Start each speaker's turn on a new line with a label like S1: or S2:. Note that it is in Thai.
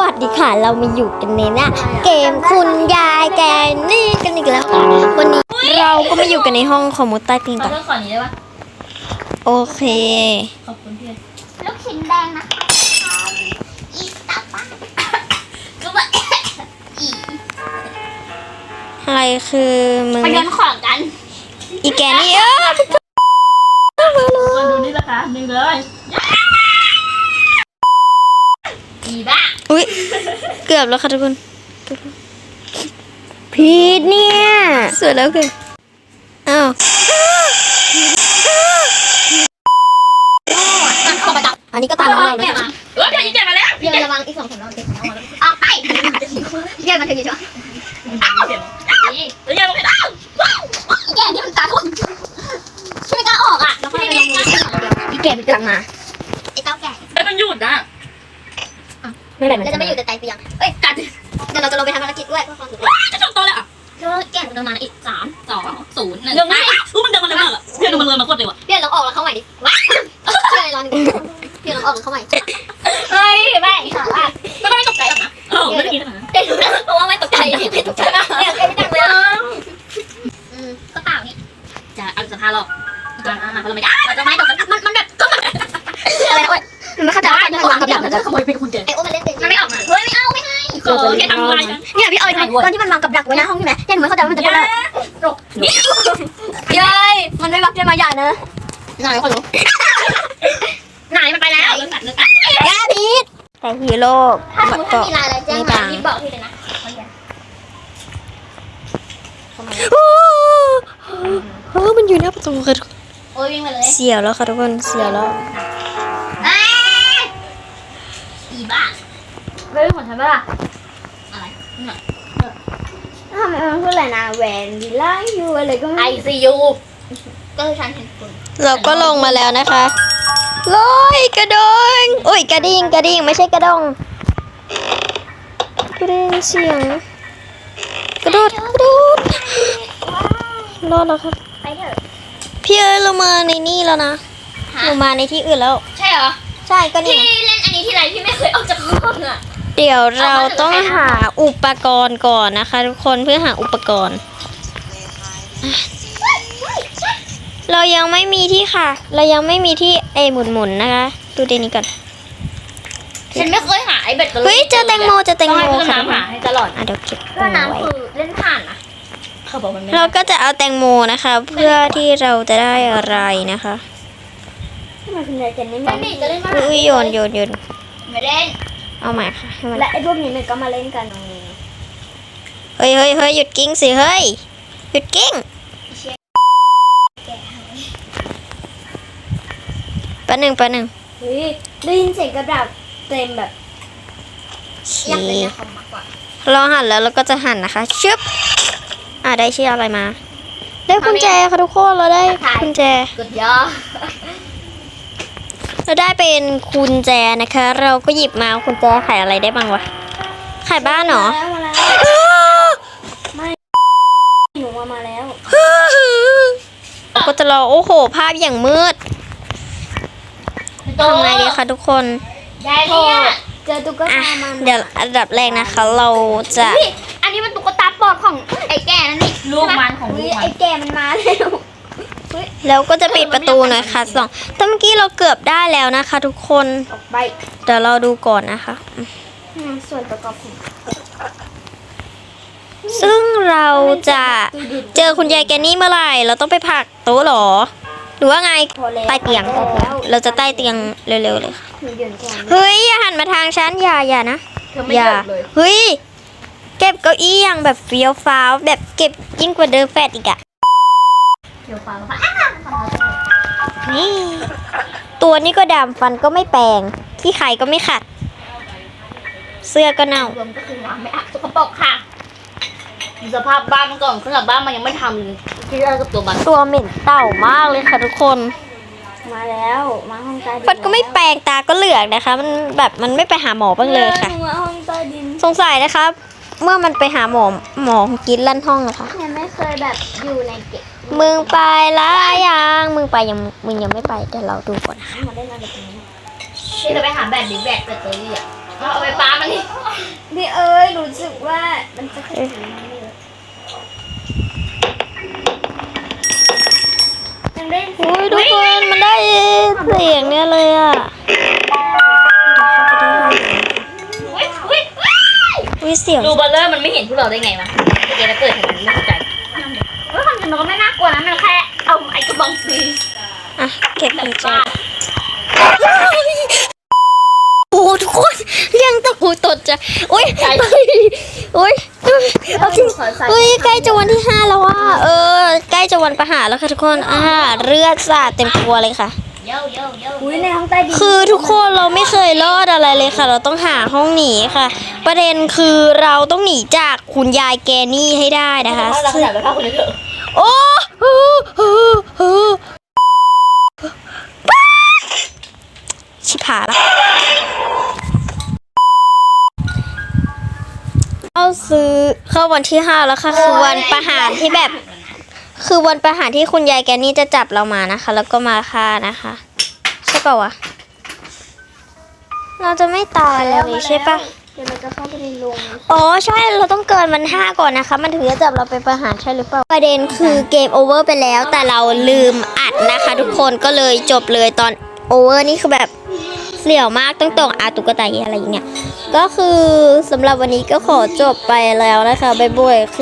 S1: วัสดีค่ะเรามาอยู่กันในหน้าเกมคุณยายแกนี่กันอีกแล้วค่ะวันนี้เราก็มาอยู่กันในห้องคอมมูใต้ตีน
S2: ขอ
S1: ก่อน
S2: เลือกก่อนนี้ได้ปะ
S1: โอเค
S2: ขอบคุณพี่
S3: ลูกชิ้นแดงนะคะอีสตาร์บัคก็แบบอี
S1: อะไรคือมึง
S3: ไปโยนของกัน
S1: อีแกนี่
S2: มาดูนี่นะคะหนึ่งเลย
S3: อีบ้า
S1: อุ๊ยเกือบแล้วค่ะทุกคนพีทเนี่ยสวยแล้วคืออ้าว
S3: มันเข้ามาดับ
S1: อันนี้ก็ตามเรา
S3: แก
S1: แล้ว
S3: มา
S2: เดี๋ยวยิงแกมาแล้ว
S3: เดี๋ยวระวังอีก2 คนเราติดของเราออกไปแกมาถึงยี่ช่ว
S2: แล้วยังไม่ได้
S3: แกนี่มันตาคนช่วยกล้าออกอ่ะแล้วค่อยไปลงมืออีแกไปกลับมาไอ้เต้าแก่
S2: ไอ้มันหยุดนะ
S1: ไม่เป็นไร
S3: เราจะไม่อยู่แต่ใจเปียงเอ้ยกัดเดี๋ยวเราจะลงไปทำภารกิจด้วยเพื่อความสุข
S2: จะจบตัวแล้วอ่ะ
S3: แล้วแกมันประมาณอีก3 2 0 1
S2: ยังไม่มันเดินมาเร็วมากอ่ะเพื่อนมันเลยมากดเลยวะ
S3: เพี่อนลองออกแล้วเข้าใหม่ดิเพี่อนลองเพี่อนลองออกแล้วเข้าใหม่
S2: เฮ้ยแม่
S3: ถามว่า
S2: ก็ไม่ตกใจหรอกนะเออไม่ได้กินขนาดนั้น
S3: เด็กนะเพราะว่าไม่ตกใจไม่ตกใจเนี่ยไม่จังเลยก็เปล่านี่
S2: จะเอาสภาหรอกจะมาเพราะเราไม่ได้
S3: เราจะไม่ตกมันแบบก็อะไรนะเว้ยมันไม่เข้าใจว่ามันวางกับดัก
S2: จะขโมยเป็นคุณเจ
S3: ไอ้โอ้มันเล่นเป็นมันไม่ออกมาเฮ้ยไม่เอาไม่ให้
S2: เออแกทำอะไรกัน
S3: เนี่ยพี่ออยตอนที่มันวางกับดักไว้หน้าห้องใช่ไหมเนี่ยหนูไม่เข้าใจว่ามันจะเป็นอะไรยายมันไม่บักจะมาหย่าเนอะไหนคนรู้ไหนมันไปแล้ว
S2: เลือกตัดเลือกตัด
S3: ยาพีท
S1: แต่ฮีโร่
S3: ถ้าสมมติมีลายอะไรแจ้งมาพีทบอกพี่เลยนะ
S1: มันอยู่หน้าประตูค่ะ
S3: โอ้ยวิ่งมาเลย
S1: เสียวแล้วค่ะทุกคนเสียวแล้ว
S3: อีบ้า
S2: ไม่เป็นของฉันป่ะ
S3: อะไร
S1: ทำไมมันพูดอะไรนะแวนวิลล่ายูอะไรก็
S2: ไอซียู
S3: ก็คือฉันเห็นคุณ
S1: เราก็ลงมาแล้วนะคะลอยกระดงโอ้ยกระดิ่งกระดิ่งไม่ใช่กระดงกระดิ่งเสียงกระโดดรอดแล้วครับ
S3: ไปเถอะ
S1: พี่เอ๋เรามาในนี่แล้วนะเรามาในที่อื่นแล้ว
S3: ใช่เหรอ
S1: ใช่ก็
S3: พี่
S1: นี่
S3: เล่นอันนี้ที่ไรพี่ไม่เคยออกจากห้องอ่ะ
S1: เดี๋ยวเราต้องหาอุปกรณ์ก่อนนะคะทุกคนเพื่อหาอุปกรณ์ เรายังไม่มีที่ค่ะ เรายังไม่มีที่หมุนนะคะ ดูเดยวนี้ก่อน
S2: ฉันไม่เคยหาไอเบ็ดกันเลย
S1: เฮ้ยเจอแตงโมเจอแตง
S2: ต้อง
S1: โม
S2: ให้เพื่อน
S1: ค่ะ
S2: น้ำหาให้ตลอด
S1: เดี๋ยวเก็บ
S3: ก็
S1: เอาไว้
S3: น้ำคือเล่นผ่านนะ
S2: เขาบอกมันไม่
S1: เราก็จะเอาแตงโมนะคะ เพื่อที่เราจะได้อะไรนะคะ
S3: ทำไมคุณยายเจนนี่ไม่จะเล่นมา
S1: อุ้ยโยน
S3: ไม่เล่น
S1: เอาใหม่ค่ะให้มัน
S3: และไอ้พวกนี้มันก็มาเล่นกันตรงนี้
S1: เฮ้ยหยุดกิ้งสิเฮ้ยหยุดกิ้งแป๊บหนึ่ง
S3: เฮ้ยได้ยินเสียงกระดับเต็มแบบ
S1: โอเค
S3: อยากเล่นในคอมมากกว่า
S1: เราหั่นแล้วเราก็จะหั่นนะคะชึบได้ชื่ออะไรมา ได้กุญแจค่ะทุกคนเราได้กุญแจ
S3: กดย่อ
S1: เราได้เป็นกุญแจนะคะ เราก็หยิบมากุญแจขายอะไรได้บ้างวะขายบ้านเหรอ
S3: มาแล้วหนูมาแล้ว
S1: เราก็จะรอโอ้โหภาพอย่างมืดทำไงดีคะทุกคน
S3: ยายเนี่ยเจอตุ๊ก
S1: อ่ะ
S3: ตามัน
S1: เดี๋ยวอันดับแรกนะคะ เราจะ
S3: อันนี้มันตุ๊กตาปลอดของไอ้แก่นั่นนี่
S2: ลูกมันของลูกมัน
S3: ไอ้แก่มันมาแล้ว
S1: แล้วก็จะปิดประตูหน่อยค่ะแต่เมื่อกี้เราเกือบได้แล้วนะคะ ทุกคน
S3: ออกไป
S1: เดี๋ยวเราดูก่อนนะคะ
S3: ส่วนประกอบของ
S1: ซึ่งเราจะเจอคุณยายแกนี่เมื่อไหร่เราต้องไปผลักโต๊ะเหรอหรือว่าไง
S3: พอแล้ว
S1: ใต้เตียง
S3: แล้ว
S1: เราจะใต้เตียงเร็วๆเลยค่ะ
S3: หนูยืนก่อน
S1: เฮ้ยอย่าหันมาทางฉันอย่านะ
S2: เธอไม่
S1: อย่า
S2: เลิกเลย
S1: เฮ้ยเก็บเก้าอี้อย่างแบบเฟี้ยวฟ้าวแบบเก็บยิ่งกว่าเดิมแฟดอีกอะ
S3: เดี๋ยวฟัง
S1: นี่ตัวนี้ก็ดำฟันก็ไม่แปลงขี้ไข่ก็ไม่ขัด เสื้อก็เน่าร
S3: วมก็คือวางไม่อักสกปรกค่ะ
S2: สภาพบ้านมันก่อนขนาดบ้านมันยังไม่ทำเลยที่ได้กับตัวมัน
S1: ตัวเหม็นเต่ามากเลยค่ะทุกคน
S3: มาแล้วมาห้องใต้ดิน
S1: ฟันก็ไม่แปลงตาก็เหลือกนะคะ มันแบบมันไม่ไปหาหมอบ้างเลยค่ะ
S3: หนูมาห้องใต้ดิน
S1: สงสัยนะครับ เมื่อมันไปหาหมอกินลั่นห้องนะคะ
S3: ยังไม่เคยแบบอยู่ในเก็บ
S1: มึงไปแล้วยังมึงยังไม่ไปเดี๋ยวเราดูก่อนนะคะ
S3: มาได้นอนแบบนี้
S2: ที่จะไปหาแบตดิแบตแบตเตอรี่อ่ะเอาไปปามันนี่
S3: พี่เอ้ยรู้สึกว่ามันจะขึ้น
S2: ยังได้
S1: อุ้ยทุกคนมันได้เสียงเนี่ยเลยอ่ะ
S2: อุ้ย
S1: อุ้ยเสียง
S2: ดูเบลเลอร์มันไม่เห็นพวกเราได้ไงวะเมื่อกี้เราเกิดทางนั้นไม่เข้าใจเฮ้ยความจริงมันก็ไม่น่ากลัวนะมันแค่เอาไอ้กระบองตี
S1: อ่ะเก็บกุญแจ
S2: บ้า
S1: โอ้ทุกคนเรียงตะกูตดจะอุ้ยอุ้ยเอาจริงอุ้ยใกล้จะวันที่5แล้วอ่ะใกล้จะวันประหารแล้วค่ะทุกคนเลือดสาดเต็มตัวเลยค่ะ
S2: เย้เย้เย้
S3: อุ้ยในห้องใต้ดิน
S1: คือทุกคนเราไม่เคยรอดอะไรเลยค่ะ เราต้องหาห้องหนีค่ะ ประเด็นคือเราต้องหนีจากคุณยายแกนี่ให้ได้นะคะ
S2: เราขนาดไปพาคนนี้เถอะ
S1: โอ้ชิบหายละเข้าวันที่5แล้วค่ะ คือวันประหารที่แบบ คือวันประหารที่คุณยายแกนี่จะจับเรามานะคะ แล้วก็มาฆ่านะคะ ใช่ป่าวะ เราจะไม่ตายเลยใช่ปะ
S3: เดี๋ยวเราจะเข้าไปในโรง
S1: อ๋อใช่เราต้องเกินมัน5ก่อนนะคะ มันถึงจะจับเราไปประหารใช่หรือเปล่า ประเด็นคือเกมโอเวอร์ไปแล้ว แต่เราลืมอัดนะคะ ทุกคนก็เลยจบเลยตอนโอเวอร์นี่คือแบบเสี่ยวมากต้องตุ๊กตาอะไรอย่างเงี้ยก็คือสำหรับวันนี้ก็ขอจบไปแล้วนะคะบ๊ายบาย